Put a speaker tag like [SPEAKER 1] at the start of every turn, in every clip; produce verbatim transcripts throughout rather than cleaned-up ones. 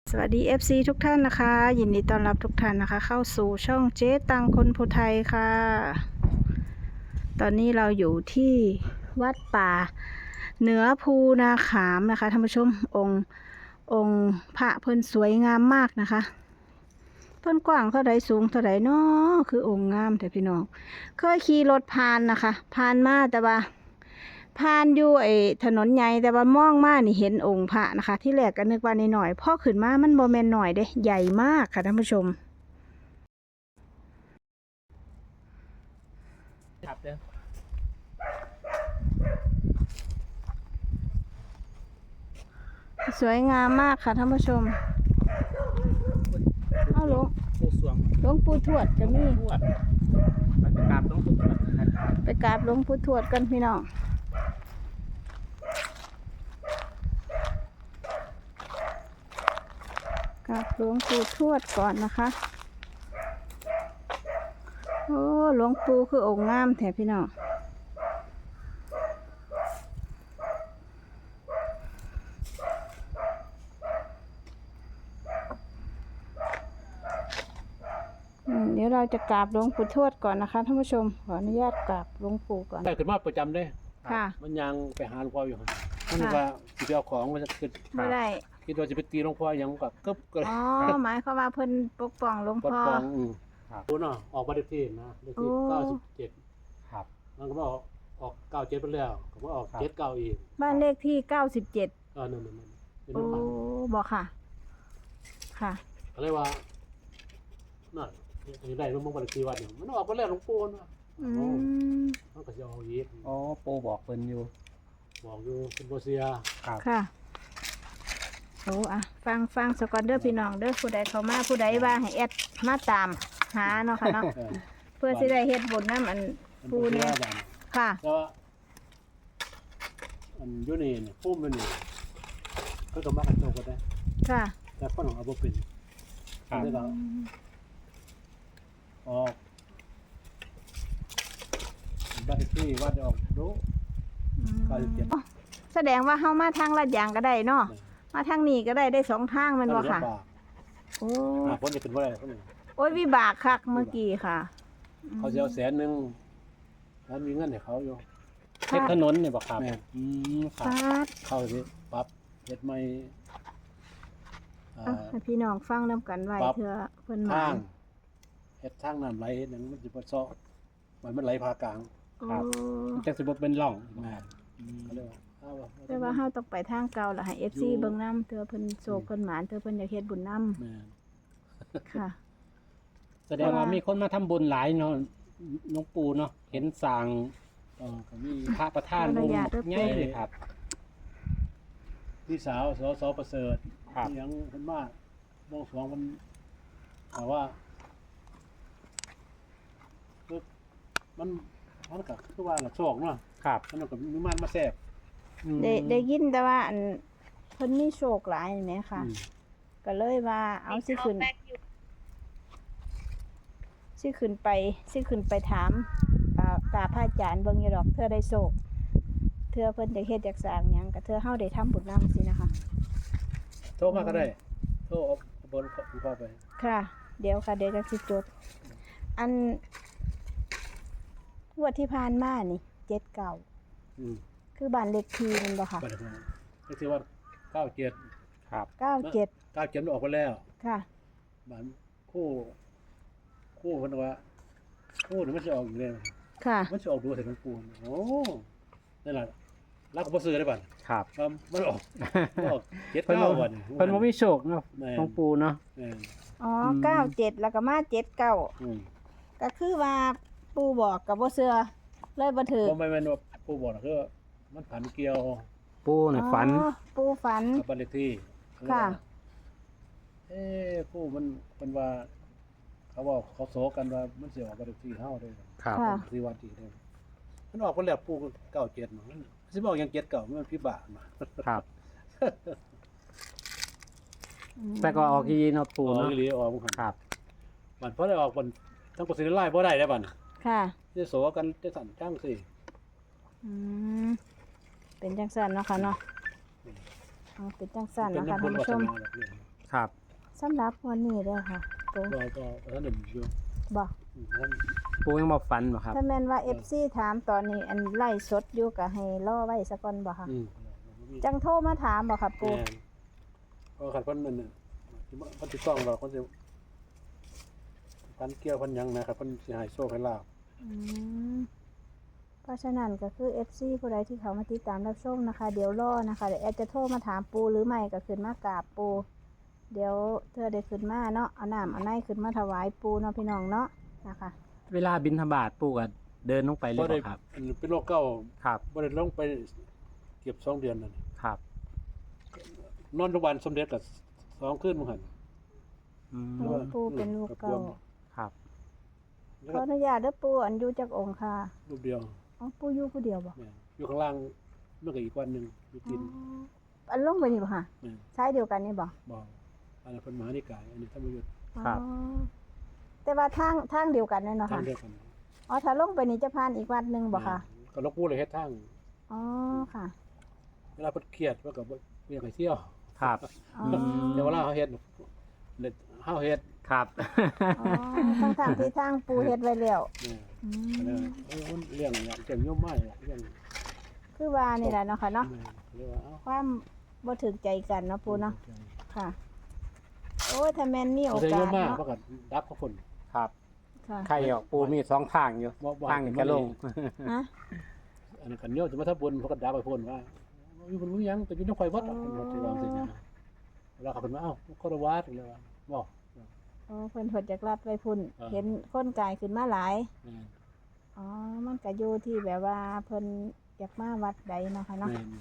[SPEAKER 1] สวัสดี เอฟ ซี ทุกท่านนะคะยินดีต้อนรับทุกท่านนะคะเข้าสู่ช่องเจ๊ตังคนภูไทยค่ะตอนนี้เราอยู่ที่วัดป่าเหนือภูนาขามนะคะท่านผู้ชมองค์องค์พระเพิ่นสวยงามมากนะคะเพิ่นกว้างเท่าใดสูงเท่าใดเนาะคือองค์งามแต่พี่น้องเคยขี่รถผ่านนะคะผ่านมาแต่ว่าผ่านอยู่ไอ้ถนนใหญ่แต่ว่ามองมานี่เห็นองค์พระนะคะที่แรกก็นึกว่านิดหน่อยพอขึ้นมามันบ่แม่นหน่อยเด้ใหญ่มากค่ะท่านผู้ชม
[SPEAKER 2] ครับเด้อ
[SPEAKER 1] สวยงามมากค่ะท่านผู้ชมเอาหลวง
[SPEAKER 2] ผู้สวง
[SPEAKER 1] หลวงปู่ทวดก็มี
[SPEAKER 2] ทวดไปกราบต้องผู้ทวดนะครับ
[SPEAKER 1] ไปกราบหลวงปู่ทวดกันพี่น้องกราบหลวงปู่ทวดก่อนนะคะโอ้หลวงปู่คือองค์งามแท้พี่น้องอืมเดี๋ยวเราจะกราบหลวงปู่ทวดก่อนนะคะท่านผู้ชมขออนุญาตกราบหลวงปู่ก่อน
[SPEAKER 2] ได้ขึ้นมาประจำเลย
[SPEAKER 1] ค่ะ
[SPEAKER 2] มันยังไปหาหลวงพ่ออยู่ครับมันว่าสิไปเอาของมันจะขึ้น
[SPEAKER 1] ไม่ได้
[SPEAKER 2] คิดว่าจะไปตีหลวงพ่อยังกับกึบก็
[SPEAKER 1] อ๋อหมายความว่าเพิ่นปกป้องหลวง
[SPEAKER 2] ปลด
[SPEAKER 1] พ่อ
[SPEAKER 2] ปองอืมครับรู้เนาะออกบัตรเลขที่นะเลขที่
[SPEAKER 1] โอ้
[SPEAKER 2] เก้าสิบเจ็ดครับมันก็บอกออกเก้าเจ็ดไปแล้วก็ว่าออกเจ็ดเก้าอีก
[SPEAKER 1] บ้านเลขที่เก้าสิบเจ็ด
[SPEAKER 2] เออนั่นนั่นนั่นเป็น
[SPEAKER 1] โอ้
[SPEAKER 2] น้ำมัน
[SPEAKER 1] บอกค่ะ ค่ะ
[SPEAKER 2] เขาเรียกว่านั่นจะได้รู้มั้งบัตรเลขที่วัดเนี่ยมันออกไปแล้วหลวงปู่นะ
[SPEAKER 1] อืม
[SPEAKER 2] มันก็จะเอาอีก
[SPEAKER 3] อ๋อโปบอกเพิ่นอยู่
[SPEAKER 2] บอกอยู่เป็นโบเซีย
[SPEAKER 3] ครับ
[SPEAKER 1] ค่ะโอ้อะฟังฟังสกอนเดอร์พี่น้องเด้อผู้ใดเข้ามาผู้ใดว่าให้แอดมาตามหาเนาะค่ะเนาะ
[SPEAKER 2] เออ
[SPEAKER 1] เพื่อสิได้เฮ็ดบุญน้ำอัน
[SPEAKER 2] เป็น
[SPEAKER 1] ปู
[SPEAKER 2] โบเซี
[SPEAKER 1] เนี่ย ย
[SPEAKER 2] บ้าน
[SPEAKER 1] ค่ะ
[SPEAKER 2] แต่ว่าอันอยูนี่เนี่ยพุ่มอยู่นี่ก็ต้องมากันโจกันได้
[SPEAKER 1] ค่ะ
[SPEAKER 2] แต่คนของอาบุเป็น
[SPEAKER 3] ครับ
[SPEAKER 2] ได้ก็ออกบ้านเลขที่วัดออกรู้
[SPEAKER 1] อืม
[SPEAKER 2] เก้าสิบเจ็ด
[SPEAKER 1] แสดงว่าเฮามาทางลาดยางก็ได้เนาะมาทางนี้ก็ได้ได้สองทางแมันบ่ค่ะ
[SPEAKER 2] ปาก
[SPEAKER 1] โอ้
[SPEAKER 2] อ่าพ้นจะเป็นว่าอะไรคนหนึ่ง
[SPEAKER 1] โอ้ยวิบากคักเมื่อกี้ค่ะ
[SPEAKER 2] เขาจะเอาแสนหนึ่งแล้วมีเงินให้เขาอยู่
[SPEAKER 3] เช็คถนนเนี่ยบอกครับ
[SPEAKER 2] แม่น
[SPEAKER 3] อืมครั
[SPEAKER 1] ฟา
[SPEAKER 3] บ
[SPEAKER 1] ด
[SPEAKER 2] เข้าสิปรับเฮ็ดไม่อ่า
[SPEAKER 1] อ่ะให้พี่น้องฟังนำกันไว้
[SPEAKER 2] ปั๊บ
[SPEAKER 1] เพื่อเพิ่นหมา
[SPEAKER 2] ทางเฮ็ดทางน้ำไหลเฮ็ดหยังมันสิบ่ซ้อมันมันไหลพากลาง
[SPEAKER 1] โอ้
[SPEAKER 3] มันจังสิบ่เป็นร่อง
[SPEAKER 2] แม่น
[SPEAKER 3] อืม
[SPEAKER 2] ก็เลยว่าเอาวะ
[SPEAKER 1] แต่ว่าเฮาต้องไปทางเก่าล่ะให้ เอฟ ซี เบิ่งนำเทื่อเพิ่นโศกเพิ่นหมานเทื่อเพิ่นอยากเฮ็ดบุญนำ
[SPEAKER 2] แม่น
[SPEAKER 1] ค่ะ
[SPEAKER 3] แสดงว่ามีคนมาทำบุญหลายเนาะหลวงปู่เนาะเห็นสร้าง
[SPEAKER 2] เออก็มี
[SPEAKER 3] พระประธาน
[SPEAKER 1] ขออนุ
[SPEAKER 3] องค์
[SPEAKER 1] ญาตด้วย
[SPEAKER 3] ใหญ่เลยครับ
[SPEAKER 2] พี่สาวสสประเสริฐ
[SPEAKER 3] ครับ
[SPEAKER 2] ที่ยังเพิ่นมาบวงสรวงมันแต่ว่าคือมันมันก็คือว่าละโชคเนาะ
[SPEAKER 3] ครับ
[SPEAKER 2] มันก็มีมันมาแทรก
[SPEAKER 3] อืม
[SPEAKER 1] ได้ได้ยินแต่ว่าอันเพิ่นมีโชคหลายนี่แหมค่ะ
[SPEAKER 2] อืม
[SPEAKER 1] ก็เลยว่าเอาสิขึ้นสิขึ้นไปสิขึ้นไปถามอ่ากราบพระอาจารย์เบิ่งอยู่ดอกเทื่อได้โชคเทื่อเพิ่นจะเฮ็ดอยากสร้างหยังก็เทื่อเฮาได้ทำบุญนำสินะคะ
[SPEAKER 2] โทรมาก็ได้โทรเอาเอาบนคุณพ่อไป
[SPEAKER 1] ค่ะ เดี๋ยวค่ะเดี๋ยวจะสิจด อันงวดที่ผ่านมานี่เจ็ดเก้า
[SPEAKER 2] อืม
[SPEAKER 1] คือบ้านเลขที่มันบ่ค่ะ
[SPEAKER 2] บัดนี้ก็คือว่าเก้าเจ็ด
[SPEAKER 3] ครับ
[SPEAKER 1] เก้าเจ็ด
[SPEAKER 2] เก้าเจ็ดมันออกไปแล้ว
[SPEAKER 1] ค่ะ
[SPEAKER 2] บัดคู่ คู่เพิ่นว่าคู่นี่มันสิออกอีกแล้ว
[SPEAKER 1] ค่ะ
[SPEAKER 2] มันสิออกดูใส่หลวงปู่โอ้นั่นล่ะรักก็บ่ซื้อได้บัด
[SPEAKER 3] ครับ
[SPEAKER 2] ว่ามันออกมันออกเจ็ด
[SPEAKER 3] เพิ่น
[SPEAKER 2] เก้า
[SPEAKER 3] บ่
[SPEAKER 2] วัน
[SPEAKER 3] เพิ่นบ่มีโชคเนาะ
[SPEAKER 2] แม่น
[SPEAKER 3] หลวงปู่เนาะ
[SPEAKER 2] แม่น
[SPEAKER 1] อ๋อ
[SPEAKER 3] อืม
[SPEAKER 1] เก้าเจ็ดแล้วก็มาเจ็ดเก้า
[SPEAKER 2] อืม
[SPEAKER 1] ก็คือว่าปู่บอกกับบ่เชื่อเลยบ่ถือ
[SPEAKER 2] บ่แม่นแม่นว่าปู่บอกนะคือว่ามันผันเกี่ยว
[SPEAKER 3] ปู่น่ะฝัน
[SPEAKER 1] อ๋อปู่ฝัน
[SPEAKER 2] กับบ้านเลขที่
[SPEAKER 1] ค่ะ
[SPEAKER 2] เอ๊ะปู่มันเป็นว่า เขาบอกเขาโศกกันว่ามันสิออกบ้านเลขที่เฮาเด้
[SPEAKER 3] ครับ
[SPEAKER 1] ค่ะ
[SPEAKER 2] ที่วัดที่เด้มันออกไปแล้วปู่เก้าเจ็ดมันสิบอกหยังเจ็ดเก้ามันพิบาทมา
[SPEAKER 3] ครับ แต่ก็ออกอีเนาะ
[SPEAKER 2] อ
[SPEAKER 3] ปู่
[SPEAKER 2] อก
[SPEAKER 3] เนาะ
[SPEAKER 2] อีหลีออกมัน
[SPEAKER 3] ครับ
[SPEAKER 2] มันพอได้ออกมันทั้งกสิไล่บ่ได้ได้บัด
[SPEAKER 1] ค่ะ
[SPEAKER 2] สิโศกันจะสั่นจังสิ
[SPEAKER 1] อืมเป็นจังซั่นเนาะค่ะเนาะอ๋อเป็นจังซั่น
[SPEAKER 2] เป็น
[SPEAKER 1] เนาะค่ะ
[SPEAKER 2] น้ำบุ
[SPEAKER 1] ท่าน
[SPEAKER 2] ญ
[SPEAKER 1] ผู้
[SPEAKER 2] วา
[SPEAKER 1] ช
[SPEAKER 2] ส
[SPEAKER 1] ม
[SPEAKER 2] นาแบบนี้
[SPEAKER 3] ครับ
[SPEAKER 1] สำหรับวันนี้เด้อค่ะปู
[SPEAKER 2] บ่บ่ท่านหนึ่งอยู่
[SPEAKER 1] บ่
[SPEAKER 2] อืมท่าน
[SPEAKER 3] ปูยังบ่ฝันบ่ครับ
[SPEAKER 1] ถ้าแม่นว่า เอฟ ซี ถามตอนนี้อันไล่สดอยู่ก็ให้รอไว้ซะก่อนบ่ค่ะ
[SPEAKER 2] อืม
[SPEAKER 1] จังโทรมาถามบ่ค่ะปู
[SPEAKER 2] แม่นเพราะคันเพิ่นนั่นน่ะที่มันเพิ่นสิต้องว่าเพิ่นสิพันเกี่ยวเพิ่นหยังนะครับเพิ่นสิให้โชคให้ลาภ
[SPEAKER 1] อืมเพราะฉะนั้นก็คือ เอฟ ซี ผู้ใดที่เขามาติดตามรับชมนะคะ เดี๋ยวรอนะคะเดี๋ยวแอดจะโทรมาถามปูหรือไม่ก็ขึ้นมากราบปู เดี๋ยวเธอได้ขึ้นมาเนาะเอาน้ำเอาในขึ้นมาถวายปูเนาะพี่น้องเนาะนะคะ
[SPEAKER 3] เวลาบิณฑบาตปูก็เดินลงไปเลย
[SPEAKER 2] บ่ได้
[SPEAKER 3] บ่ครับ
[SPEAKER 2] อันเป็นโรคเก่า
[SPEAKER 3] ครับ
[SPEAKER 2] บ่ได้ลงไปเก็บสองเดือนนั่น
[SPEAKER 3] ครับ
[SPEAKER 2] นอนโรงพยาบาลสมเด็จก็สองคืนมื้อหั่น
[SPEAKER 3] อืม
[SPEAKER 1] หลวงปู่เป็นลูกเก่า
[SPEAKER 3] ครับ
[SPEAKER 2] แล้ว
[SPEAKER 1] ขอ
[SPEAKER 2] ก็
[SPEAKER 1] อนุญาตเด้อปูอันอยู่จากองค์ค่ะ
[SPEAKER 2] รูปเดียว
[SPEAKER 1] อ๋อปูอยู่ผู้เดียวบ่
[SPEAKER 2] แม่นอยู่ข้างล่างมันก็อีกวันหนึงอยู่
[SPEAKER 1] อ๋
[SPEAKER 2] กิน
[SPEAKER 1] ออันลงไปนี่บ่ค่ะ
[SPEAKER 2] แม่น
[SPEAKER 1] ใช้เดียวกันนี่บ่
[SPEAKER 2] บ่อันนั้นเพิ่นมหานิกายอันนี้ธรรมยุทธ์
[SPEAKER 1] อ๋อแต่ว่าทางทางเดียวกันแน่เนาะ
[SPEAKER 2] ทาง
[SPEAKER 1] ค่ะ
[SPEAKER 2] เดียวกัน
[SPEAKER 1] อ๋อถ้าลงไปนี่จะผ่านอีกวัดหนึงบ่ค่ะ
[SPEAKER 2] แม่นก็หลวงปู่เลยเฮ็ดทาง
[SPEAKER 1] อ๋อค่ะ
[SPEAKER 2] เวลาเพิ่นเครียดเพิ่นก็บ่บ่อยากให้เที่ยว
[SPEAKER 3] ครับ
[SPEAKER 1] อ๋อ
[SPEAKER 2] แต่เวลาเฮาเฮ็ดเฮ็ดเฮาเฮ็ด
[SPEAKER 3] ครับ
[SPEAKER 1] อ๋อทั้งทางที่ทางปูเฮ็ดไว้แล้ว
[SPEAKER 2] เนี่ย
[SPEAKER 1] อื
[SPEAKER 2] ก็เลย
[SPEAKER 1] ม
[SPEAKER 2] เออมันเลี้ยงอย่างเก่งโยมมากเลยเลี้ยง
[SPEAKER 1] คือว่านี่แหละเนาะค่ะเนาะ
[SPEAKER 2] เรียกว่าเอ้า
[SPEAKER 1] ความบ่ถึงใจกันเนาะปูเนาะค่ะ โอ้ยถ้าแม่นมีโอ
[SPEAKER 2] เขาจะโย
[SPEAKER 1] กาม ส
[SPEAKER 2] มาก
[SPEAKER 1] เนาะ
[SPEAKER 2] เพราะกันดับเขาคน
[SPEAKER 3] ครับ
[SPEAKER 1] ค่ะ
[SPEAKER 3] ใครออกปูมีสองทางอยู่
[SPEAKER 2] บ่บ่
[SPEAKER 3] ทางนี้ก็ลง
[SPEAKER 1] ฮะ
[SPEAKER 2] อันนั้นกันโยมจะมาทับบนเพราะกันดับไปพ่นว่ามีคนรู้ยังแต่อยู่ในไฟวัดอ่ะเป็นวัดที่เราสินะเวลาเขาเป็นว่าเอ้าคารวะถึงเลยว่าบ่
[SPEAKER 1] โอ้เพิ่นเพิ่นจากรับไปพุ่น
[SPEAKER 2] อ่า
[SPEAKER 1] เห็นคนกายขึ้นมาหลาย
[SPEAKER 2] แม่น
[SPEAKER 1] อ๋อ มันก็อยู่ที่แบบว่าเพิ่นอยากมาวัดใดเนาะค่ะเนาะ
[SPEAKER 2] แม่น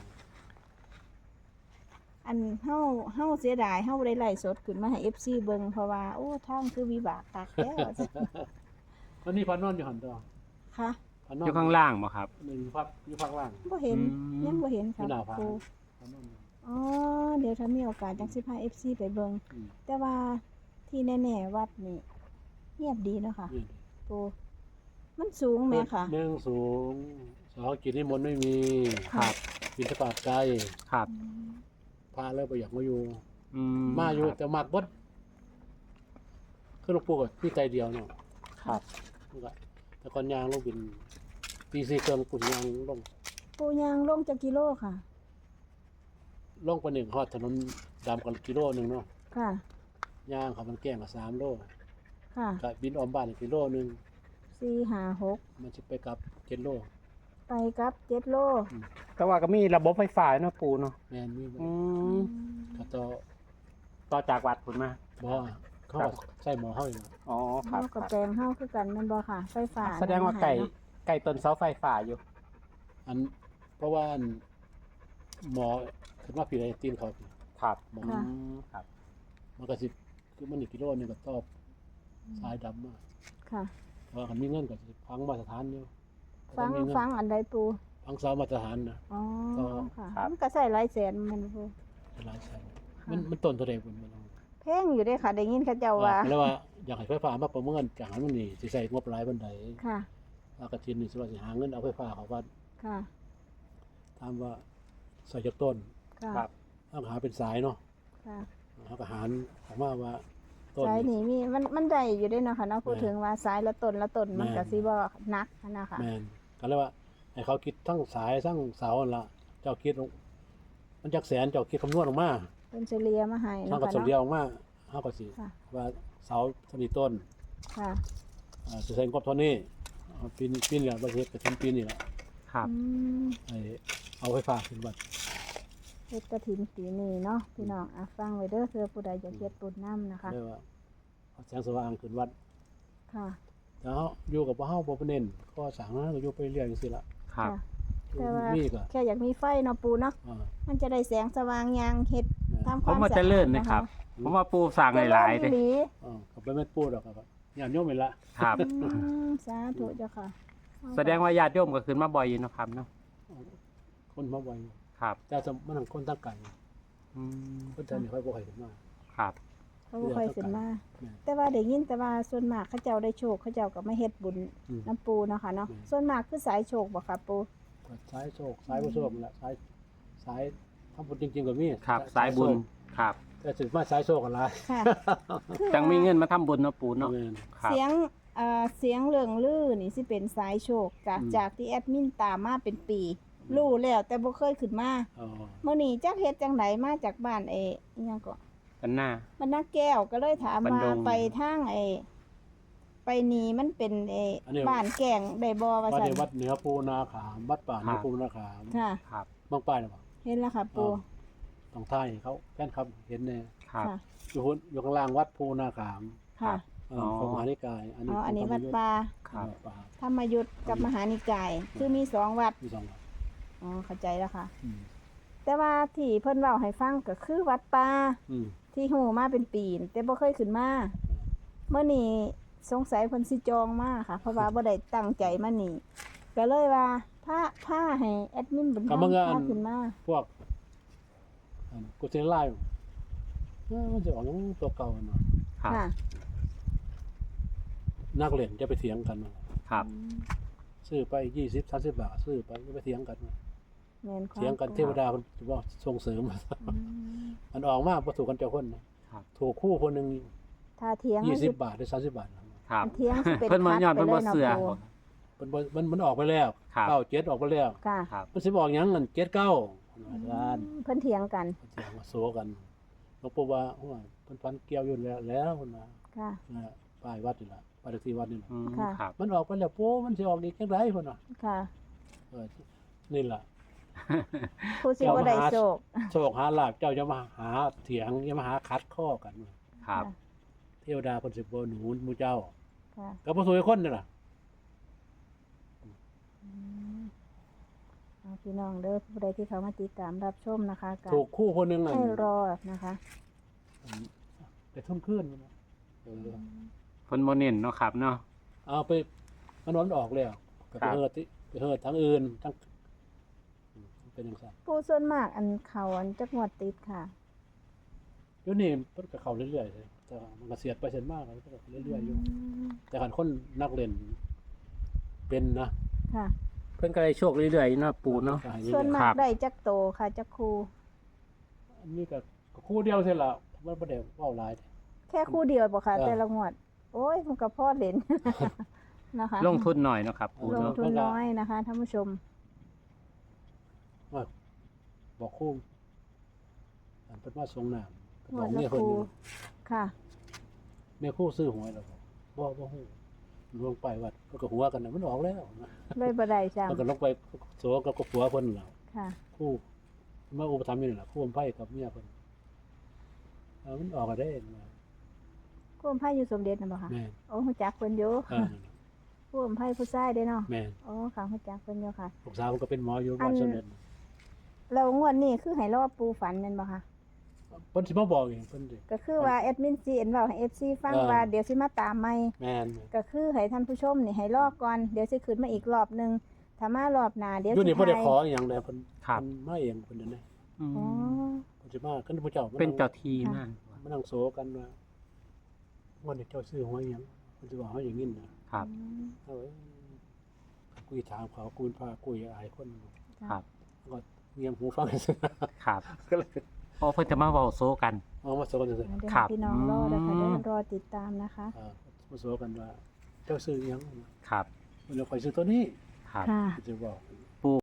[SPEAKER 1] อันเฮาเฮาเสียดายเฮาบ่ได้ไล่สดขึ้นมาให้ เอฟ ซี เบิ่งเพราะว่าโอ้ทางคือวิบากคักแล้ว
[SPEAKER 2] วันนี้พานอนอยู่หันตัว
[SPEAKER 1] ค่ะ
[SPEAKER 2] พานอน
[SPEAKER 3] อยู่ข้างล่างบ่ครับ
[SPEAKER 2] หนึ่งพักอยู่ภาคล่าง
[SPEAKER 1] บ่เห็น
[SPEAKER 3] อืม
[SPEAKER 1] ยังบ่เห็น
[SPEAKER 2] อ
[SPEAKER 1] ค่ะ
[SPEAKER 2] ยู่หน้าผา
[SPEAKER 1] ครู
[SPEAKER 2] พานอนอยู่
[SPEAKER 1] อ๋อ เดี๋ยวถ้ามีโอกาสจังสิพา เอฟ ซี ไปเบิ่ง
[SPEAKER 2] อืม
[SPEAKER 1] แต่ว่าที่แน่ๆวัดนี่เงียบดีเนาะค่ะ
[SPEAKER 2] นี่
[SPEAKER 1] ครูมันสูงแม่ค่ะ
[SPEAKER 2] หนึ่งสูงสองกินนิมนต์ไม่มี
[SPEAKER 1] ครับ
[SPEAKER 2] บินทบาทไกล
[SPEAKER 3] ครับ
[SPEAKER 1] อืม
[SPEAKER 2] พาแล้วไปอยากมาอยู่
[SPEAKER 3] อื
[SPEAKER 2] มาอยู่
[SPEAKER 3] ครับ
[SPEAKER 2] แต่มากบดคือหลวงปู่ก็พี่ใจเดียวเนาะ
[SPEAKER 3] ครับ
[SPEAKER 2] มันก็แต่ก่อนยางลงบินตีสี่เครื่องปุ่นยางลง
[SPEAKER 1] ปูยางลงจากกิโลค่ะ
[SPEAKER 2] ลงไปหนึ่งฮอดถนนดำกันกิโลหนึ่งเนาะ
[SPEAKER 1] ค่ะ
[SPEAKER 2] ยางเขามันแกล้งกับสามโล
[SPEAKER 1] ค่ะ
[SPEAKER 2] ก็บินออมบ้านอีกกิโลหนึ่ง
[SPEAKER 1] สี่ห้าหก
[SPEAKER 2] มันจะไปกลับเจ็ดโล
[SPEAKER 1] ไปกับเจ็ดโล
[SPEAKER 3] แต่ว่าก็มีระบบไฟฟ้าเนาะปูเนาะ
[SPEAKER 2] แมนมีบ่
[SPEAKER 3] อืม
[SPEAKER 2] ก็ต่อ
[SPEAKER 3] ต่อจากวัดพุ่นมา
[SPEAKER 2] บ่เขาก็ใส่หมอเฮาอยู่นะ
[SPEAKER 3] อ๋อครั
[SPEAKER 1] เฮา
[SPEAKER 3] บ
[SPEAKER 1] กับแปลงเฮาคือกันแม่นบ่ค่ะ ไฟฟ้า
[SPEAKER 3] แสดงว่าไก่
[SPEAKER 1] เนาะ
[SPEAKER 3] ไก่ต้นเสาไฟฟ้าอยู่
[SPEAKER 2] อันเพราะว่าอันหมอคือว่าพี่ได้ตีนเขา
[SPEAKER 3] ครับ
[SPEAKER 2] หมอ
[SPEAKER 3] อืมครับ
[SPEAKER 2] มันก็สิคือมันอีกกิโลหนึงก็ตอบสายดำมา
[SPEAKER 1] ค่ะ
[SPEAKER 2] เพราะว่าคันมีเงินก็สิพังมาตรฐานอยู่
[SPEAKER 1] ฟัง
[SPEAKER 2] มีเน
[SPEAKER 1] ฟังอันใดปู
[SPEAKER 2] พังเสามาตรฐานนะ
[SPEAKER 1] อ๋อ
[SPEAKER 2] ก็
[SPEAKER 1] ค่ะ
[SPEAKER 3] ครับ
[SPEAKER 1] มันก็ใส่หลายแสนแมันปู
[SPEAKER 2] หลายแสนมันมันต้นเท่าใดพุ่นมัน
[SPEAKER 1] แพงอยู่เด้ค่ะได้ยินเขาเจ้าว่า
[SPEAKER 2] แล้วว่าอยากให้ไฟฟ้ามาประเมินจากนั้นมันนี่สิใส่งบหลายปานใด
[SPEAKER 1] ค่ะ
[SPEAKER 2] ว่ากระทินนี่สิว่าสิหาเงินเอาไฟฟ้าเขาว่า
[SPEAKER 1] ค่ะ
[SPEAKER 2] ถามว่าใส่จากต้น
[SPEAKER 1] ค่ะ
[SPEAKER 3] ครับ
[SPEAKER 2] เอาหาเป็นสายเนาะ
[SPEAKER 1] ค่ะ
[SPEAKER 2] เอาก็หารออกมาว่าต้น
[SPEAKER 1] สายนี่มีมันมันได้อยู่เด้เนาะค่ะเนาะพูด
[SPEAKER 2] แม่
[SPEAKER 1] ถึงว่าสายละต้นละต้นมัน
[SPEAKER 2] แม่
[SPEAKER 1] ก็สิบ่หนักหั้นนะคะ
[SPEAKER 2] แม่นก็เลยว่าให้เขาคิดทั้งสายทั้งเสานั่นล่ะเจ้าคิดลงมันจักแสนเจ้าคิดคำนวณออกมา
[SPEAKER 1] เป็นเฉลี่ยมาให้
[SPEAKER 2] ทาง
[SPEAKER 1] เนาะ
[SPEAKER 2] ก็
[SPEAKER 1] ค่ะ
[SPEAKER 2] สมเดีย
[SPEAKER 1] เนาะ
[SPEAKER 2] วออกมาเฮาก็สิ
[SPEAKER 1] ค่ะ
[SPEAKER 2] ว่าเสาเท่านี้ต้น
[SPEAKER 1] ค่ะ
[SPEAKER 2] อ่าสิใส่งบเท่านี้เอาปีนี้ปีนี้แหละบ่เฮ็ดก็ถึงปีนี้แหละ
[SPEAKER 3] ครับ
[SPEAKER 1] อืม
[SPEAKER 2] ให้เอาไฟฟ้าขึ้นวัด
[SPEAKER 1] เฮ็ดกฐินปีนี้เนาะพี่น้องอ่ะฟังไว้เด้อเพื่อผู้ใดอยากเฮ็ดบุญนำนะคะ
[SPEAKER 2] เรียกว่าเอาแสงสว่างขึ้นวัด
[SPEAKER 1] ค่ะ
[SPEAKER 2] แต่เฮาอยู่กับบ่เฮาบ่เน้นข้อสร้างนั้นก็อยู่ไปเรื่อยจังซี่ล่ะ
[SPEAKER 3] ครับ
[SPEAKER 1] ค่ะ แต่ว่า
[SPEAKER 2] มีก็
[SPEAKER 1] แค่อยากมีไฟเนาะปูเนาะ
[SPEAKER 2] อ่า
[SPEAKER 1] มันจะได้แสงสว่างยางเฮ็ด
[SPEAKER 2] แม่น
[SPEAKER 1] ทำค
[SPEAKER 3] ผม
[SPEAKER 1] วาม
[SPEAKER 3] ว่า
[SPEAKER 1] สะ
[SPEAKER 3] เจะ
[SPEAKER 1] อาด
[SPEAKER 3] เลื่อนนะครับ ผมว่าปูสั่งหลายๆ
[SPEAKER 1] เล
[SPEAKER 3] เลย ย
[SPEAKER 2] อ่าก็บ่แม่นปูดอกครับญาติโยมนี่ล่ะ
[SPEAKER 3] ครับ
[SPEAKER 1] อืมสาธุเจ้าค่ะ
[SPEAKER 3] แสดงว่าญาติโยมก็ขึ้นมาบ่อยอยู่เนาะครับเนาะ
[SPEAKER 2] คนมาไว
[SPEAKER 3] ครับ
[SPEAKER 2] แต่สมมันคนตั้งไกล
[SPEAKER 3] อืม
[SPEAKER 2] คนไทยนี่ค่อยบ่ค่อยขึ้นมา
[SPEAKER 3] ครับ
[SPEAKER 1] เขาบ่ค่อยขึ้นมา
[SPEAKER 2] แม่น
[SPEAKER 1] แต่ว่าได้ยินแต่ว่าส่วนมากเขาเจ้าได้โชคเขาเจ้าก็มาเฮ็ดบุญ
[SPEAKER 2] อืม
[SPEAKER 1] น้ำปูเนาะค่ะเนาะ
[SPEAKER 2] อืม
[SPEAKER 1] ส่วนมากคือสายโชคบ่ค่ะปู
[SPEAKER 2] ก็สายโชคสายบ่โชคนั่นล่ะสายสายทำบุญจริงๆก็มี
[SPEAKER 3] ครับ สายบุญ
[SPEAKER 2] โชค
[SPEAKER 3] ครับ
[SPEAKER 2] แแต่สิมาสายโซกันหลาย
[SPEAKER 1] ค่ะคือ
[SPEAKER 3] จังมี
[SPEAKER 1] ว่า
[SPEAKER 3] เงินมาทำบุญเนาะปู่เนาะ
[SPEAKER 2] แม่น
[SPEAKER 3] ครับ
[SPEAKER 1] เสียงเอ่อเสียงเรื่องลือนี่สิเป็นสายโชคจาก
[SPEAKER 2] อืม
[SPEAKER 1] จากที่แอดมินตามมาเป็นปี รู้แล้วแต่บ่เคยขึ้นมา
[SPEAKER 2] อ๋อ
[SPEAKER 1] มื้อนี้จักเฮ็ดจังไดมาจากบ้านเออิหยังก็
[SPEAKER 3] กันหน้า
[SPEAKER 1] บ้านนาแก้วก็เลยถาม
[SPEAKER 3] บัน
[SPEAKER 1] ว่า
[SPEAKER 3] ดง
[SPEAKER 1] ไปทางไอไปนี่มันเป็นเอบ้านแก่งได้บ่ว่า
[SPEAKER 2] วัด
[SPEAKER 1] ซั่น
[SPEAKER 2] ในวัดเหนือปูนาขามวัดป่าเหนือปูนาขาม
[SPEAKER 1] ค่ะ
[SPEAKER 3] ครับ
[SPEAKER 2] บางป้ายน่ะบ่
[SPEAKER 1] เห็นแล้วค่ะปู
[SPEAKER 2] ต้องท่ายเขาแฟนครับเห็นแน่
[SPEAKER 3] ครับ
[SPEAKER 1] ค่ะ
[SPEAKER 2] อยู่หุ้นอยู่ข้างล่างวัดปูนาขาม
[SPEAKER 1] ค่ะ
[SPEAKER 2] เออของมหานิกาย อัน
[SPEAKER 1] อ๋
[SPEAKER 2] นี้
[SPEAKER 1] ออันนี้
[SPEAKER 2] ขง
[SPEAKER 1] วัดป่า
[SPEAKER 3] ครับ
[SPEAKER 2] วัดป่า
[SPEAKER 1] ธรรมยุทธกับมหานิกาย คือมีสองวัด
[SPEAKER 2] มีสองวัด
[SPEAKER 1] อ๋อเข้าใจแล้วค่ะ
[SPEAKER 2] อืม
[SPEAKER 1] แต่ว่าที่เพิ่นเว้าให้ฟังก็คือวัดป่า
[SPEAKER 2] อืม
[SPEAKER 1] ที่หูมาเป็นปีนแต่บ่เคยขึ้นมาเมื่อนี้สงสัยเพิ่นสิจองมาค่ะ เพราะว่าบ่ได้ตั้งใจมานี่ก็เลยว่าพาพาให้แอดมินบุญธรรมพาขึ้นมา
[SPEAKER 2] พวกอันกูเซนไล่เอ้อมันจะออกอย่างตัวเก่าเนาะ
[SPEAKER 3] ครับ
[SPEAKER 1] ค่ะ
[SPEAKER 2] นักเล่นจะไปเถียงกันเนาะ
[SPEAKER 3] ครับ
[SPEAKER 2] ซื้อไปยี่สิบ สามสิบบาทซื้อไปจะไปเถียงกันเนาะ
[SPEAKER 1] แม่นความ
[SPEAKER 2] เถียงกันเทวดามันจะว่าส่งเสริม
[SPEAKER 1] อืม
[SPEAKER 2] มันออกมาบ่ถูกกันเจ้าคนนะครับ ถูกคู่คนหนึง
[SPEAKER 1] ถ้าเถียง
[SPEAKER 2] ยี่สิ
[SPEAKER 1] สิ
[SPEAKER 2] บบาทหรือสามสิบบาทนะ
[SPEAKER 3] ครับ
[SPEAKER 1] เถียงสิเป็น
[SPEAKER 3] เพิ่นมาย้อน
[SPEAKER 1] คั
[SPEAKER 3] เพิ่
[SPEAKER 1] ด
[SPEAKER 3] น
[SPEAKER 1] ไป
[SPEAKER 3] บ่
[SPEAKER 1] เลย
[SPEAKER 3] เสือ
[SPEAKER 1] เนาะปู่
[SPEAKER 2] มันบ่มันมันออกไปแล้ว
[SPEAKER 3] ครับ
[SPEAKER 2] เก้าเจ็ดออกไปแล้ว
[SPEAKER 1] ค่ะ
[SPEAKER 3] ครับ
[SPEAKER 2] มันสิบอกหยังเงินเจ็ดเก้าอาจารย์
[SPEAKER 1] เพิ่นเถียงกัน
[SPEAKER 2] เสียงมาโซกันหลวงปู่ว่าโอ้ยเพิ่นฟันเกี่ยวอยู่แล้วแล้วเพิ่นว่า
[SPEAKER 1] ค่ะ
[SPEAKER 2] นะป้ายวัดนี่ล่ะป้ายเลขที่วัดนี่ล่ะ
[SPEAKER 3] อืม
[SPEAKER 1] ค่ะ
[SPEAKER 3] ครับ
[SPEAKER 2] มันออกไปแล้วปู่มันสิออกอีกจังไดเพิ่นว่า
[SPEAKER 1] ค่ะ
[SPEAKER 2] เออนี่ล่ะ
[SPEAKER 1] ผู้สิบ่ได้โชค
[SPEAKER 2] โชคหาลาภเจ้าจะมาหาเถียงอย่ามาหาคัดข้อกัน
[SPEAKER 3] ครับ
[SPEAKER 2] เทวดาเพิ่นสิบ่หนุนหมู่เจ้า
[SPEAKER 1] ค่ะ
[SPEAKER 2] ก็บ่สวยคนนี่ล่ะ
[SPEAKER 1] อืมเอาพี่น้องเด้อผู้ใดที่เขามาติดตามรับชมนะคะก็
[SPEAKER 2] ถูกคู่คนหนึงน่ะ
[SPEAKER 1] ให้รอนะคะ
[SPEAKER 2] ไปทุ่มคืนนะเออ
[SPEAKER 3] เพิ่นบ่เน้นเนาะครับเนาะ
[SPEAKER 2] เอาไปมันนอนออกแล้วก็
[SPEAKER 3] ค
[SPEAKER 2] ไป
[SPEAKER 3] รับ
[SPEAKER 2] เฮ็ดติไปเฮ็ดทั้งอื่นทั้งอืมเป็นจังซั่น
[SPEAKER 1] ผู้ส่วนมากอันเขาอันจักงวดติดค่ะ
[SPEAKER 2] เดี๋ยวนี้มันก็เข้าเรื่อยๆเลยแต่ว่ามันก็เสียดไปเสียดมากมันก็เรื่อยๆอยู่ แต่คันคนนักเล่นเป็นนะ
[SPEAKER 1] ค่ะ
[SPEAKER 3] เพิ่นก็ได้โชคเรื่อยๆเนาะปู่เนาะ
[SPEAKER 2] ก็ให้เรื่อยๆ
[SPEAKER 1] ส่วนมา
[SPEAKER 3] ค
[SPEAKER 1] ก
[SPEAKER 3] รับ
[SPEAKER 1] ได้จักโตค่ะจักครู
[SPEAKER 2] อันนี้ก็ก็คู่เดียวเท่าละมันบ่ได้เว้าหลาย
[SPEAKER 1] แค่คู่เดียวบ่ค่ะ
[SPEAKER 2] เออ
[SPEAKER 1] แต่ละงวด โอ้ยมันก็พอเล่น นะคะ
[SPEAKER 3] ลงทุนหน่อยเนาะครับปู่
[SPEAKER 1] ลง
[SPEAKER 3] เนาะ
[SPEAKER 1] ทุนน้อยนะคะท่านผู้ชม
[SPEAKER 2] ว่าบอกคู่อันเพิ่นมาส่งน้ำก็
[SPEAKER 1] ง
[SPEAKER 2] บ
[SPEAKER 1] ว
[SPEAKER 2] อ
[SPEAKER 1] ด
[SPEAKER 2] ก
[SPEAKER 1] ละ
[SPEAKER 2] เมีย
[SPEAKER 1] ค
[SPEAKER 2] เพิ่น
[SPEAKER 1] รู
[SPEAKER 2] อยู่
[SPEAKER 1] ค่ะ
[SPEAKER 2] เมียคู่ซื้อหวยแล้วบอกบ่บ่ฮู้ลงไปวัดเพิ่นก็หัวกันน่ะมันออกแล้วนะ
[SPEAKER 1] เลยบ่ได้จ้ะ
[SPEAKER 2] เพิ่นก็ลงไปโสกับกับผัวเพิ่นแล้ว
[SPEAKER 1] ค่ะ
[SPEAKER 2] คู่มาอุปถัมภ์อยู่นี่ล่ะคู่อมไผกับเมียเพิ่นเออมันออกก็ได้นะ
[SPEAKER 1] คู่อมไผ่อยู่สมเด็จน่ะบ่คะ
[SPEAKER 2] แม่น
[SPEAKER 1] โอ้ฮู้จักเพิ่นอยู่
[SPEAKER 2] เออนั่นน่ะ
[SPEAKER 1] คู่อมไผ่ผู้ชายเด้เนาะ
[SPEAKER 2] แม่น
[SPEAKER 1] โอ้ค่ะฮู้จักเพิ่นอยู่ค่ะ
[SPEAKER 2] ลูกสาวมันก็เป็นหมออยู่
[SPEAKER 1] อั
[SPEAKER 2] บ้าน
[SPEAKER 1] น
[SPEAKER 2] สมเด็จ
[SPEAKER 1] แล้วงวดนี้คือให้รอปูฝันแม่นบ่คะ
[SPEAKER 2] เพิ่นสิมาบอกเองเพิ่นสิ
[SPEAKER 1] ก็คือว่าแอดมิน ซี เอ็น เว้าให้ เอฟ ซี ฟัง
[SPEAKER 2] เออ
[SPEAKER 1] ว่าเดี๋ยวสิมาตามใหม่
[SPEAKER 2] แม่น
[SPEAKER 1] ก็คือให้ท่านผู้ชมนี่ให้รอก่อนเดี๋ยวสิขึ้นมาอีกรอบหนึงถ้ามารอบหน้าเดี๋ยว
[SPEAKER 2] อยู่
[SPEAKER 1] สิ
[SPEAKER 2] นี่บ่ได้
[SPEAKER 1] ถ่าย
[SPEAKER 2] ขออหย่างใดเพิ่น
[SPEAKER 3] ครับ
[SPEAKER 2] เพิ่นมาเองเพิ่นนั่นแหละ
[SPEAKER 3] อืม
[SPEAKER 1] อ๋อ
[SPEAKER 2] เพิ่นสิมาคันผู้เจ้ามา
[SPEAKER 3] เป็นเจ้าที่มาก
[SPEAKER 2] มานั่งโซกันว่าวันนี้เจ้าซื้อหวยหยังเพิ่นสิบอกเฮาอย่างนี้นะครับ เอาเอ้ยคุยถามเขาคุยพาคุยอายคน
[SPEAKER 3] ครับ
[SPEAKER 2] ก็เงียบหูฟังซื่อ
[SPEAKER 3] ครับ
[SPEAKER 2] ก็เลย
[SPEAKER 3] โอ้เพิ่นจะมาเว้าโซกัน
[SPEAKER 2] เอามาโซกันซื่อ
[SPEAKER 1] เดี๋ยว
[SPEAKER 3] ครับ
[SPEAKER 1] พี่น้องรอนะคะ
[SPEAKER 3] อืม
[SPEAKER 1] เดี๋ยวรอติดตามนะคะ
[SPEAKER 2] อ่ามาโซกันว่า เจ้าซื้อหยัง
[SPEAKER 3] ครับ
[SPEAKER 2] มันเราคอยซื้อตัวนี้
[SPEAKER 3] ครับ
[SPEAKER 1] ค่ะ
[SPEAKER 2] เพิ่นสิบอก